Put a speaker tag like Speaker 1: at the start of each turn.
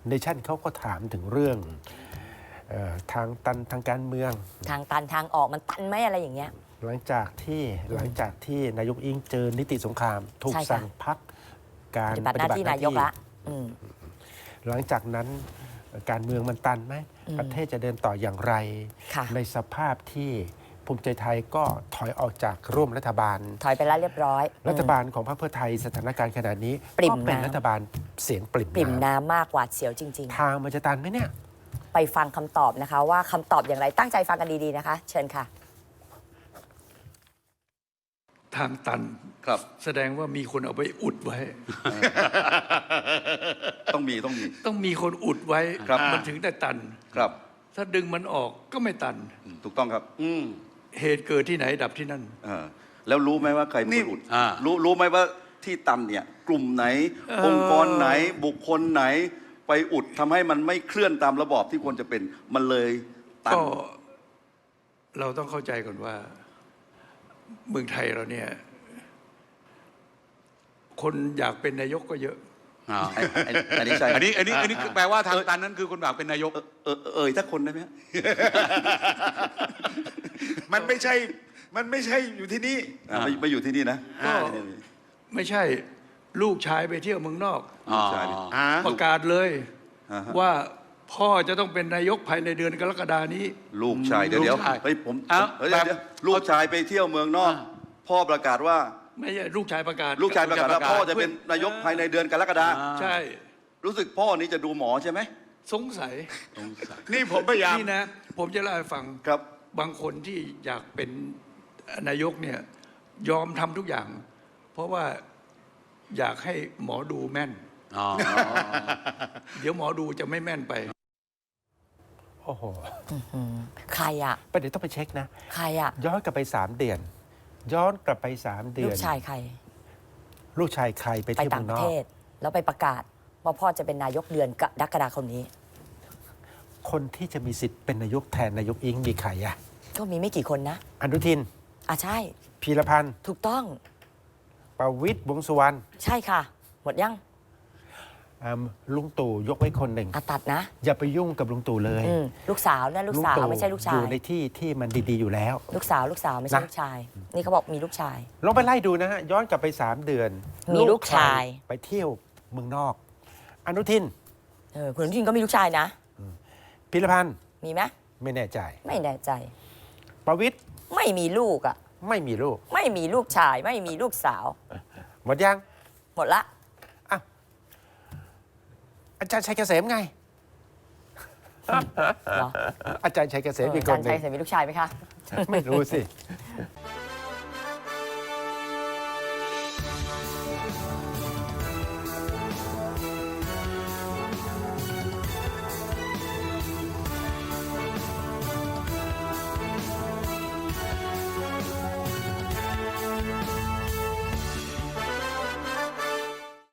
Speaker 1: เนชั่นเขาก็ถามถึงเรื่องทางตันทางการเมือง
Speaker 2: ทางตันทางออกมันตันไหมอะไรอย่างเงี้ย
Speaker 1: หลังจากที่นายกอิงเจอนิติสงครามถูกสั่งพักการ
Speaker 2: ปฏิบัติหน้าที่นายกละ
Speaker 1: หลังจากนั้นการเมืองมันตันไหมประเทศจะเดินต่ออย่างไรในสภาพที่ภูมิใจไทยก็ถอยออกจากร่วมรัฐบาล
Speaker 2: ถอยไปแล้วเรียบร้อย
Speaker 1: รัฐบาลของพรรคเพื่อไทยสถานการณ์ขนาดนี้ก็เป็นรัฐบาลเสียงปริ่ม
Speaker 2: น้ำมากกว่าเสียวจริง
Speaker 1: ๆทางมันจะตันไหมเนี่ย
Speaker 2: ไปฟังคำตอบนะคะว่าคำตอบอย่างไรตั้งใจฟังกันดีๆนะคะเชิญค่ะ
Speaker 3: ทางตัน
Speaker 4: ครับ
Speaker 3: แสดงว่ามีคนเอาไปอุดไว้
Speaker 4: ต้อง
Speaker 3: มีคนอุดไว้มันถึงได้ตัน
Speaker 4: ครับ
Speaker 3: ถ้าดึงมันออกก็ไม่ตัน
Speaker 4: ถูกต้องครับ
Speaker 3: เหตุเกิดที่ไหนดับที่นั่น
Speaker 4: แล้วรู้ไหมว่าใครเป็นคนอุดรู้ไหมว่าที่ตันเนี่ยกลุ่มไหนองค์กรไหนบุคคลไหนไปอุดทำให้มันไม่เคลื่อนตามระบอบที่ควรจะเป็นมันเลยตัน
Speaker 3: ก็เราต้องเข้าใจก่อนว่าเมืองไทยเราเนี่ยคนอยากเป็นนายกก็เยอะ
Speaker 4: อันนี้ใช่
Speaker 5: อันนี้แปลว่าทางตันนั้นคือคนอยากเป็นนายก
Speaker 4: ถ้าคนได้ไหม
Speaker 5: มันไม่ใช่อยู่ที่นี่
Speaker 4: ไม่อยู่ที่นี่นะ
Speaker 3: ก็ไม่ใช่ลูกชายไปเที่ยวเมืองนอกประกาศเลยว่าพ่อจะต้องเป็นนายกภายในเดือนกรกฎานี้
Speaker 4: ลูกชายเดี๋ยวเฮ้ยผมลูกชายไปเที่ยวเมืองนอกพ่อประกาศว่า
Speaker 3: ไม่ใช่ลูกชายประกาศ
Speaker 4: ว่าพ่อจะเป็นนายกภายในเดือนกรกฎา
Speaker 3: ใช่
Speaker 4: รู้สึกพ่อนี้จะดูหมอใช่ไหม
Speaker 3: สงสัย
Speaker 5: นี่ผมพยายาม
Speaker 3: นี่นะผมจะเล่าให้ฟัง
Speaker 4: ครับ
Speaker 3: บางคนที่อยากเป็นนายกเนี่ยยอมทำทุกอย่างเพราะว่าอยากให้หมอดูแม่นเดี๋ยวหมอดูจะไม่แม่นไป
Speaker 1: โอ้โห
Speaker 2: ใครอะ
Speaker 1: ประเดี๋ยวต้องไปเช็คนะ
Speaker 2: ใครอะ
Speaker 1: ย้อนกลับไป3 เดือนย้อนกลับไป3 เดือน
Speaker 2: ลูกชายใคร
Speaker 1: ไปเที่ยว
Speaker 2: ต่างประเทศแล้วไปประกาศว่าพ่อจะเป็นนายกเดือนกรกฎาคมนี้
Speaker 1: คนที่จะมีสิทธิ์เป็นนายกแทนนายกอิงมีใครอะ
Speaker 2: ก็มีไม่กี่คนนะ
Speaker 1: อนุทิน
Speaker 2: ใช่
Speaker 1: พีรพันธ์
Speaker 2: ถูกต้อง
Speaker 1: ประวิตรวงษ์สุวรรณ
Speaker 2: ใช่ค่ะหมดยัง
Speaker 1: ลุงตู่ยกไว้คนหนึ่ง
Speaker 2: ตัดนะ
Speaker 1: อย่าไปยุ่งกับลุงตู่เลย
Speaker 2: ลูกสาวนะลูกสาวไม่ใช่ลูกชาย
Speaker 1: อยู่ในที่มันดีๆอยู่แล้ว
Speaker 2: ลูกสาวไม่ใช่ลูกชายนี่เขาบอกมีลูกชาย
Speaker 1: ลองไปไล่ดูนะฮะย้อนกลับไป3 เดือน
Speaker 2: มีลูกชาย
Speaker 1: ไปเที่ยวเมืองนอกอนุทิน
Speaker 2: คุณอนุทินก็มีลูกชายนะ
Speaker 1: พีรพันธ์
Speaker 2: มีไหม
Speaker 1: ไม่แน่ใจประวิตร
Speaker 2: ไม่มีลูกอ่ะ
Speaker 1: ไม่มีลูก
Speaker 2: ไม่มีลูกชายไม่มีลูกสาว
Speaker 1: หมดยัง
Speaker 2: หมดละ
Speaker 1: อาจารย์ชัยเกษมไงอาจารย์ชัยเกษมมีคนหนึ่ง
Speaker 2: อาจารย์ชัยเกษมมีลูกชายไหมคะ
Speaker 1: ไม่รู้สิ